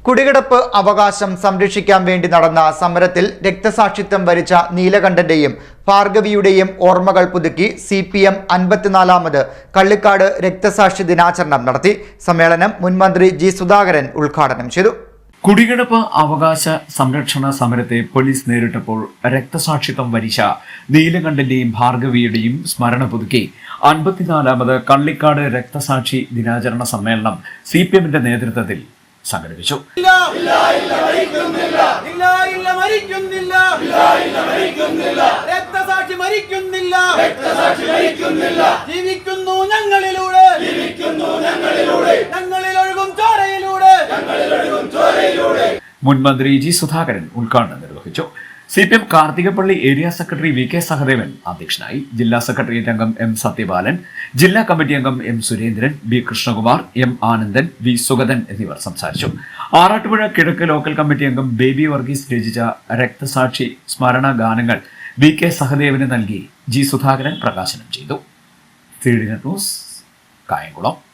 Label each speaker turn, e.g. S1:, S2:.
S1: കുടികിടപ്പ് അവകാശം സംരക്ഷിക്കാൻ വേണ്ടി നടന്ന സമരത്തിൽ രക്തസാക്ഷിത്വം വരിച്ച നീലകണ്ഠന്റെയും ഭാർഗവിയുടെയും ഓർമ്മകൾ പുതുക്കി CPM 54ാമത് കള്ളിക്കാട് രക്തസാക്ഷി ദിനാചരണം നടത്തി. സമ്മേളനം മുൻമന്ത്രി G. സുധാകരൻ ഉദ്ഘാടനം ചെയ്തു.
S2: കുടികിടപ്പ് അവകാശ സംരക്ഷണ സമരത്തെ പോലീസ് നേരിട്ടപ്പോൾ രക്തസാക്ഷിത്വം വരിച്ച നീലകണ്ഠന്റെയും ഭാർഗവിയുടെയും സ്മരണ പുതുക്കി 54ാമത് കള്ളിക്കാട് രക്തസാക്ഷി ദിനാചരണ സമ്മേളനം CPMന്റെ നേതൃത്വത്തിൽ സംഘടിപ്പിച്ചു.
S3: ജീവിക്കുന്നു ഞങ്ങളിലൂടെ,
S2: മുൻമന്ത്രി G. സുധാകരൻ ഉദ്ഘാടനം നിർവഹിച്ചു. CPM Karthikappally area secretary VK Sahadevan അധ്യക്ഷനായി. ജില്ലാ സെക്രട്ടേറിയറ്റ് അംഗം M. സത്യപാലൻ, ജില്ലാ കമ്മിറ്റി അംഗം M. Surendran, B. Krishnakumar, M. Anandan, V. Sugathan എന്നിവർ സംസാരിച്ചു. ആറാട്ടുപുഴ കിഴക്ക് ലോക്കൽ കമ്മിറ്റി അംഗം ബേബി വർഗീസ് രചിച്ച രക്തസാക്ഷി സ്മരണ ഗാനങ്ങൾ VK സഹദേവന് നൽകി G. സുധാകരൻ പ്രകാശനം ചെയ്തു. ന്യൂസ് കായംകുളം.